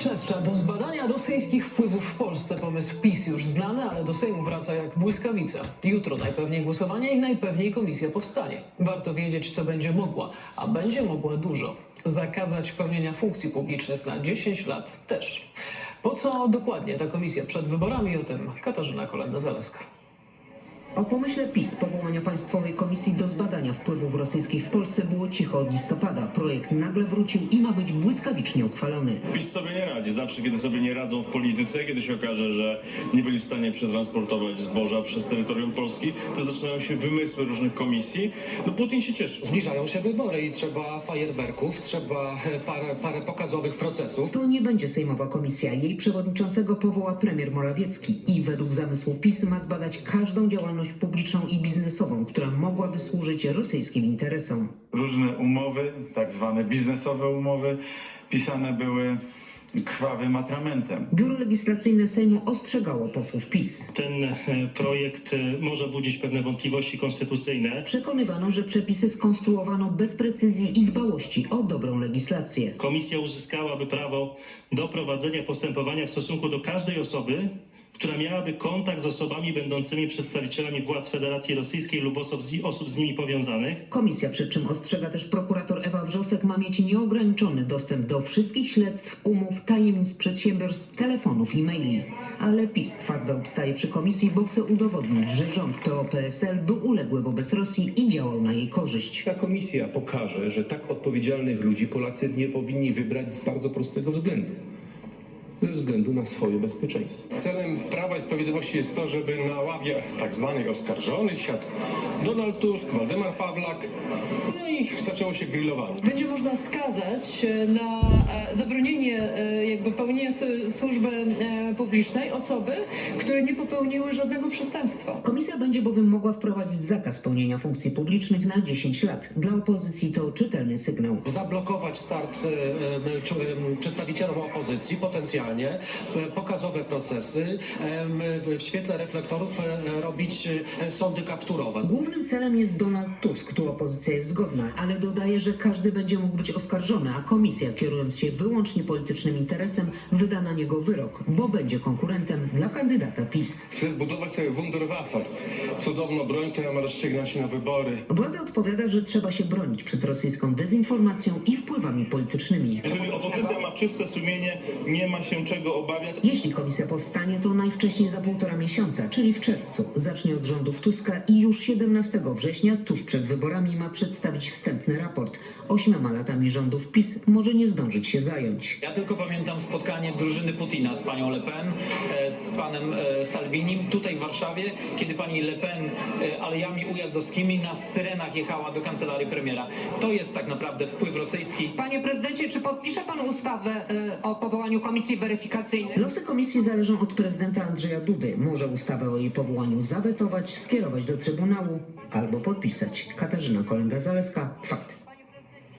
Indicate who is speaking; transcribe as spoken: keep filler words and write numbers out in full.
Speaker 1: Śledcza do zbadania rosyjskich wpływów w Polsce. Pomysł PiS już znany, ale do Sejmu wraca jak błyskawica. Jutro najpewniej głosowanie i najpewniej komisja powstanie. Warto wiedzieć, co będzie mogła, a będzie mogła dużo. Zakazać pełnienia funkcji publicznych na dziesięć lat też. Po co dokładnie ta komisja przed wyborami? O tym Katarzyna Kolenda-Zaleska.
Speaker 2: O pomyśle PiS powołania Państwowej Komisji do zbadania wpływów rosyjskich w Polsce było cicho od listopada. Projekt nagle wrócił i ma być błyskawicznie uchwalony.
Speaker 3: PiS sobie nie radzi. Zawsze, kiedy sobie nie radzą w polityce, kiedy się okaże, że nie byli w stanie przetransportować zboża przez terytorium Polski, to zaczynają się wymysły różnych komisji. No Putin się cieszy.
Speaker 4: Zbliżają się wybory i trzeba fajerwerków, trzeba parę, parę pokazowych procesów.
Speaker 2: To nie będzie Sejmowa Komisja. Jej przewodniczącego powoła premier Morawiecki i według zamysłu PiS ma zbadać każdą działalność publiczną i biznesową, która mogłaby służyć rosyjskim interesom.
Speaker 5: Różne umowy, tak zwane biznesowe umowy, pisane były krwawym atramentem.
Speaker 2: Biuro Legislacyjne Sejmu ostrzegało posłów PiS.
Speaker 6: Ten projekt może budzić pewne wątpliwości konstytucyjne.
Speaker 2: Przekonywano, że przepisy skonstruowano bez precyzji i dbałości o dobrą legislację.
Speaker 6: Komisja uzyskałaby prawo do prowadzenia postępowania w stosunku do każdej osoby, która miałaby kontakt z osobami będącymi przedstawicielami władz Federacji Rosyjskiej lub osób z, osób z nimi powiązanych.
Speaker 2: Komisja, przed czym ostrzega też prokurator Ewa Wrzosek, ma mieć nieograniczony dostęp do wszystkich śledztw, umów, tajemnic przedsiębiorstw, telefonów i maili. Ale PiS twardo obstaje przy komisji, bo chce udowodnić, że rząd P O P S L był uległy wobec Rosji i działał na jej korzyść.
Speaker 7: Ta komisja pokaże, że tak odpowiedzialnych ludzi Polacy nie powinni wybrać z bardzo prostego względu. Ze względu na swoje bezpieczeństwo.
Speaker 4: Celem Prawa i Sprawiedliwości jest to, żeby na ławie tak zwanych oskarżonych siadł Donald Tusk, Waldemar Pawlak, no i zaczęło się grillowanie.
Speaker 8: Będzie można skazać na zabronienie jakby pełnienia służby publicznej osoby, które nie popełniły żadnego przestępstwa.
Speaker 2: Komisja będzie bowiem mogła wprowadzić zakaz pełnienia funkcji publicznych na dziesięć lat. Dla opozycji to czytelny sygnał.
Speaker 4: Zablokować start przedstawicielom opozycji potencjalnie, pokazowe procesy, w świetle reflektorów robić sądy kapturowe.
Speaker 2: Głównym celem jest Donald Tusk, tu opozycja jest zgodna, ale dodaje, że każdy będzie mógł być oskarżony, a komisja, kierując się wyłącznie politycznym interesem, wyda na niego wyrok, bo będzie konkurentem dla kandydata PiS.
Speaker 4: Chce zbudować sobie Wunderwaffe, cudowną broń, która ma rozstrzygnąć się na wybory.
Speaker 2: Władza odpowiada, że trzeba się bronić przed rosyjską dezinformacją i wpływami politycznymi.
Speaker 3: Jeżeli opozycja ma czyste sumienie, nie ma się czego obawiać.
Speaker 2: Jeśli komisja powstanie, to najwcześniej za półtora miesiąca, czyli w czerwcu. Zacznie od rządów Tuska i już siedemnastego września, tuż przed wyborami, ma przedstawić wstępny raport. Ośmioma latami rządów PiS może nie zdążyć się zająć.
Speaker 1: Ja tylko pamiętam spotkanie drużyny Putina z panią Le Pen, z panem Salvinim tutaj w Warszawie, kiedy pani Le Pen alejami ujazdowskimi na syrenach jechała do kancelarii premiera. To jest tak naprawdę wpływ rosyjski.
Speaker 9: Panie prezydencie, czy podpisze pan ustawę y, o powołaniu komisji weryfikacyjnej?
Speaker 2: Losy komisji zależą od prezydenta Andrzeja Dudy. Może ustawę o jej powołaniu zawetować, skierować do Trybunału albo podpisać. Katarzyna Kolenda-Zaleska, Fakty.